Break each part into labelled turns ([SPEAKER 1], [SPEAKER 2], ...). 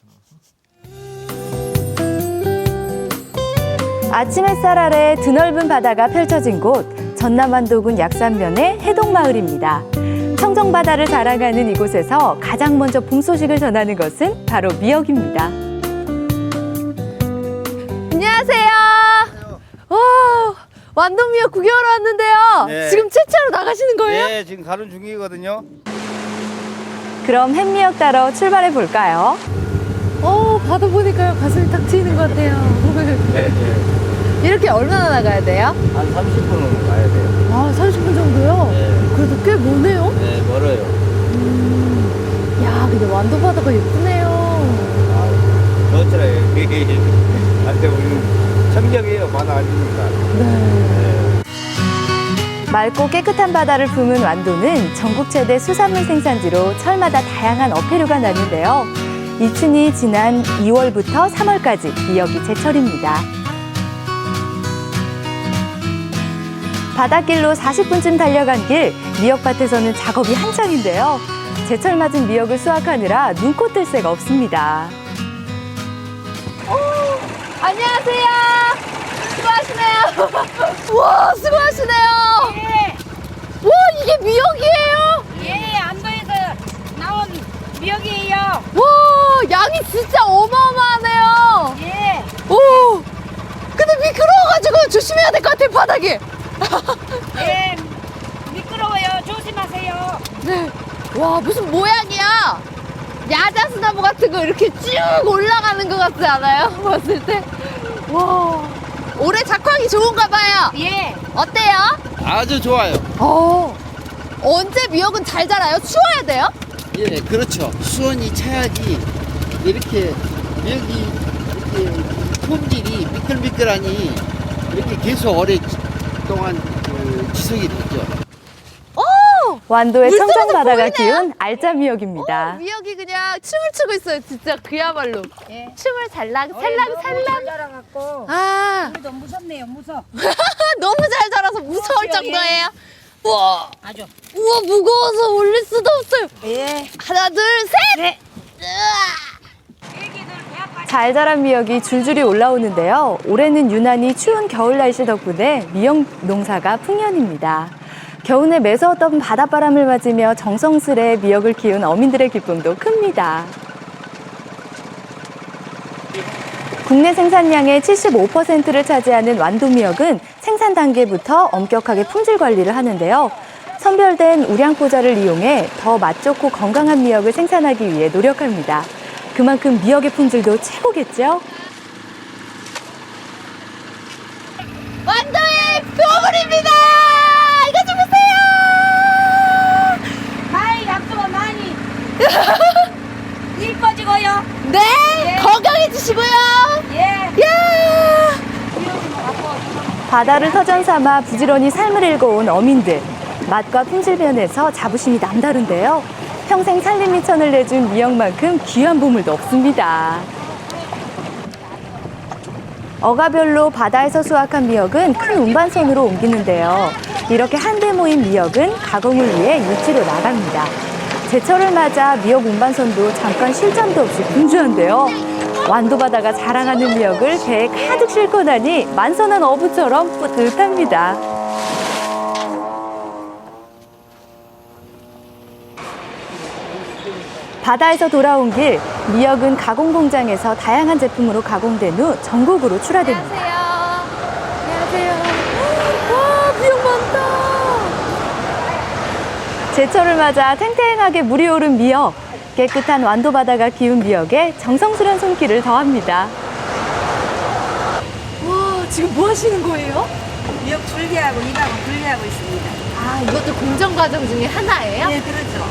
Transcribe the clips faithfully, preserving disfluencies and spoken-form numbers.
[SPEAKER 1] 아침 햇살 아래 드넓은 바다가 펼쳐진 곳, 전남 완도군 약산면의 해동마을입니다. 청정바다를 자랑하는 이곳에서 가장 먼저 봄 소식을 전하는 것은 바로 미역입니다. 안녕하세요. 와, 완도 미역 구경하러 왔는데요.
[SPEAKER 2] 네.
[SPEAKER 1] 지금 채취하러 나가시는 거예요?
[SPEAKER 2] 네, 지금 가는 중이거든요.
[SPEAKER 1] 그럼 햇미역 따러 출발해 볼까요? 어, 바다 보니까요. 가슴이 탁 트이는 것 같아요.
[SPEAKER 2] 네, 네.
[SPEAKER 1] 이렇게 얼마나 나가야 돼요?
[SPEAKER 2] 한 삼십 분은 가야 돼요.
[SPEAKER 1] 아, 삼십 분 정도요?
[SPEAKER 2] 네.
[SPEAKER 1] 그래도 꽤 머네요?
[SPEAKER 2] 네, 멀어요.
[SPEAKER 1] 음, 야, 근데 완도 바다가 예쁘네요.
[SPEAKER 2] 아, 좋더라고요. 한테 우리는 청정이에요. 바다 아니니까.
[SPEAKER 1] 네. 맑고 깨끗한 바다를 품은 완도는 전국 최대 수산물 생산지로 철마다 다양한 어패류가 나는데요. 이춘이 지난 이월부터 삼월까지 미역이 제철입니다. 바닷길로 사십 분쯤 달려간 길, 미역밭에서는 작업이 한창인데요. 제철 맞은 미역을 수확하느라 눈코 뜰 새가 없습니다. 오, 안녕하세요. 수고하시네요. 와, 수고하시네요.
[SPEAKER 3] 예,
[SPEAKER 1] 와, 이게 미역이에요?
[SPEAKER 3] 예, 안도에서 나온 미역이에요.
[SPEAKER 1] 와, 양이 진짜 어마어마하네요.
[SPEAKER 3] 예,
[SPEAKER 1] 오, 근데 미끄러워가지고 조심해야 될 것 같아요, 바닥이.
[SPEAKER 3] 예, 미끄러워요. 조심하세요.
[SPEAKER 1] 네. 와, 무슨 모양이야? 야자수나무 같은 거 이렇게 쭉 올라가는 것 같지 않아요? 봤을 때. 와, 올해 작황이 좋은가 봐요.
[SPEAKER 3] 예,
[SPEAKER 1] 어때요?
[SPEAKER 4] 아주 좋아요.
[SPEAKER 1] 어, 언제 미역은 잘 자라요? 추워야 돼요?
[SPEAKER 4] 예, 그렇죠. 수온이 차야지 이렇게 여기 이렇게 품질이 미끌미끌하니 이렇게 계속 오랫동안 그 지속이 되죠.
[SPEAKER 1] 완도의
[SPEAKER 5] 물속에서
[SPEAKER 1] 청정바다가
[SPEAKER 5] 보이네요.
[SPEAKER 1] 키운 알짜 미역입니다.
[SPEAKER 5] 미역이 그냥 춤을 추고 있어요. 진짜 그야말로
[SPEAKER 3] 예.
[SPEAKER 5] 춤을 살랑
[SPEAKER 3] 잘
[SPEAKER 5] 살랑 살랑.
[SPEAKER 3] 자라갖고
[SPEAKER 5] 아
[SPEAKER 3] 우리도 무섭네요. 무서.
[SPEAKER 5] 너무 잘 자라서 무서울
[SPEAKER 3] 예.
[SPEAKER 5] 정도예요. 우와
[SPEAKER 3] 아주.
[SPEAKER 5] 우와 무거워서 올릴 수도 없어요.
[SPEAKER 3] 예.
[SPEAKER 5] 하나 둘 셋.
[SPEAKER 3] 네.
[SPEAKER 5] 으아.
[SPEAKER 3] 애기들 배 아파.
[SPEAKER 1] 잘 자란 미역이 줄줄이 올라오는데요. 올해는 유난히 추운 겨울 날씨 덕분에 미역 농사가 풍년입니다. 겨우내 매서웠던 바닷바람을 맞으며 정성스레 미역을 키운 어민들의 기쁨도 큽니다. 국내 생산량의 칠십오 퍼센트를 차지하는 완도 미역은 생산 단계부터 엄격하게 품질 관리를 하는데요. 선별된 우량포자를 이용해 더 맛 좋고 건강한 미역을 생산하기 위해 노력합니다. 그만큼 미역의 품질도 최고겠죠?
[SPEAKER 5] 완도의 보물입니다. 이거 좀 보세요.
[SPEAKER 3] 많이 약속은 많이. 이뻐지고요.
[SPEAKER 5] 네
[SPEAKER 3] 예.
[SPEAKER 5] 건강해지시고요.
[SPEAKER 3] 예.
[SPEAKER 5] 야.
[SPEAKER 1] 바다를 터전 삼아 부지런히 삶을 읽어온 어민들. 맛과 품질 면에서 자부심이 남다른데요. 평생 살림 미천을 내준 미역만큼 귀한 보물도 없습니다. 어가별로 바다에서 수확한 미역은 큰 운반선으로 옮기는데요. 이렇게 한데 모인 미역은 가공을 위해 육지로 나갑니다. 제철을 맞아 미역 운반선도 잠깐 쉴 잠도 없이 분주한데요. 완도 바다가 자랑하는 미역을 배에 가득 싣고 나니 만선한 어부처럼 뿌듯합니다. 바다에서 돌아온 길, 미역은 가공 공장에서 다양한 제품으로 가공된 후 전국으로 출하됩니다.
[SPEAKER 5] 안녕하세요. 와 미역 많다.
[SPEAKER 1] 제철을 맞아 탱탱하게 물이 오른 미역. 깨끗한 완도 바다가 키운 미역에 정성스런 손길을 더합니다.
[SPEAKER 5] 와 지금 뭐 하시는 거예요?
[SPEAKER 3] 미역 줄기하고 이하고 분리하고 있습니다.
[SPEAKER 5] 아 이것도 공정 과정 중에 하나예요?
[SPEAKER 3] 예, 그렇죠.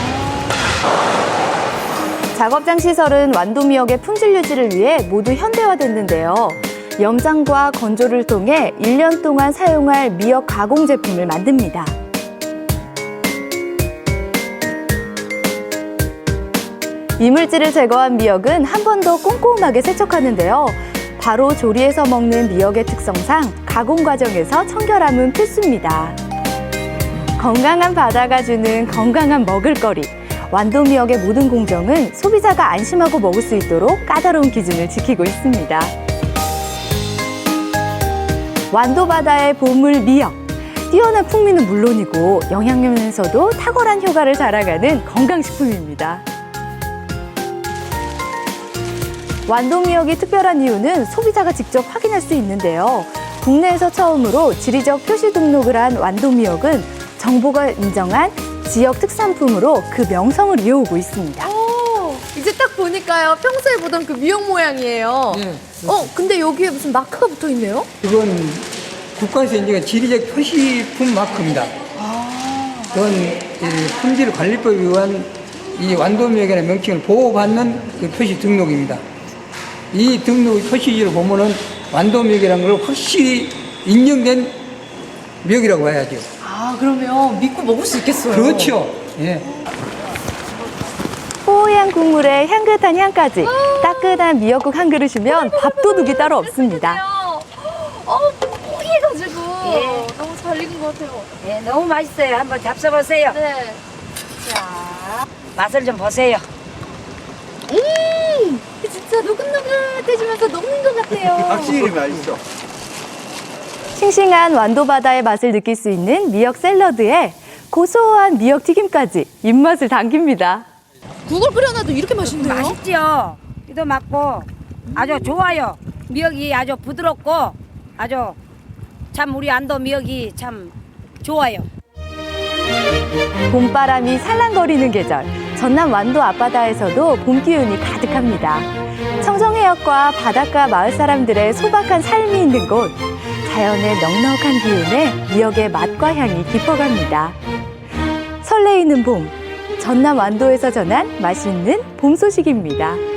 [SPEAKER 1] 작업장 시설은 완도 미역의 품질 유지를 위해 모두 현대화됐는데요. 염장과 건조를 통해 일 년 동안 사용할 미역 가공 제품을 만듭니다. 이물질을 제거한 미역은 한 번 더 꼼꼼하게 세척하는데요. 바로 조리해서 먹는 미역의 특성상 가공 과정에서 청결함은 필수입니다. 건강한 바다가 주는 건강한 먹을거리. 완도 미역의 모든 공정은 소비자가 안심하고 먹을 수 있도록 까다로운 기준을 지키고 있습니다. 완도 바다의 보물 미역. 뛰어난 풍미는 물론이고 영양면에서도 탁월한 효과를 자랑하는 건강식품입니다. 완도 미역이 특별한 이유는 소비자가 직접 확인할 수 있는데요. 국내에서 처음으로 지리적 표시 등록을 한 완도 미역은 정부가 인정한 지역 특산품으로 그 명성을 이어오고 있습니다.
[SPEAKER 5] 오, 이제 딱 보니까요. 평소에 보던 그 미역 모양이에요.
[SPEAKER 6] 네,
[SPEAKER 5] 어, 근데 여기에 무슨 마크가 붙어 있네요?
[SPEAKER 6] 그건 국가에서 인정한 지리적 표시품 마크입니다. 그건 이 품질관리법에 의한 이 완도미역이라는 명칭을 보호받는 그 표시 등록입니다. 이 등록 표시지를 보면은 완도미역이라는 걸 확실히 인정된 미역이라고 해야죠.
[SPEAKER 5] 아, 그러면 믿고 먹을 수 있겠어요.
[SPEAKER 6] 그렇죠. 예.
[SPEAKER 1] 뽀얀 국물에 향긋한 향까지 따끈한 미역국 한 그릇이면 밥도둑이 따로 없습니다.
[SPEAKER 5] 어, 뽀얘가지고
[SPEAKER 3] 예.
[SPEAKER 5] 너무 잘 익은 것 같아요.
[SPEAKER 3] 예, 너무 맛있어요. 한번 잡숴보세요.
[SPEAKER 5] 네.
[SPEAKER 3] 자, 맛을 좀 보세요.
[SPEAKER 5] 음, 진짜 노릇노릇해지면서 녹는 것 같아요.
[SPEAKER 2] 확실히 맛있어.
[SPEAKER 1] 싱싱한 완도 바다의 맛을 느낄 수 있는 미역 샐러드에 고소한 미역 튀김까지 입맛을 당깁니다.
[SPEAKER 5] 국을 끓여놔도 이렇게 맛있네요.
[SPEAKER 3] 맛있죠? 이도 맞고 아주 좋아요. 미역이 아주 부드럽고 아주 참 우리 안도 미역이 참 좋아요.
[SPEAKER 1] 봄바람이 살랑거리는 계절, 전남 완도 앞바다에서도 봄 기운이 가득합니다. 청정해역과 바닷가 마을 사람들의 소박한 삶이 있는 곳, 자연의 넉넉한 기운에 미역의 맛과 향이 깊어갑니다. 설레이는 봄, 전남 완도에서 전한 맛있는 봄 소식입니다.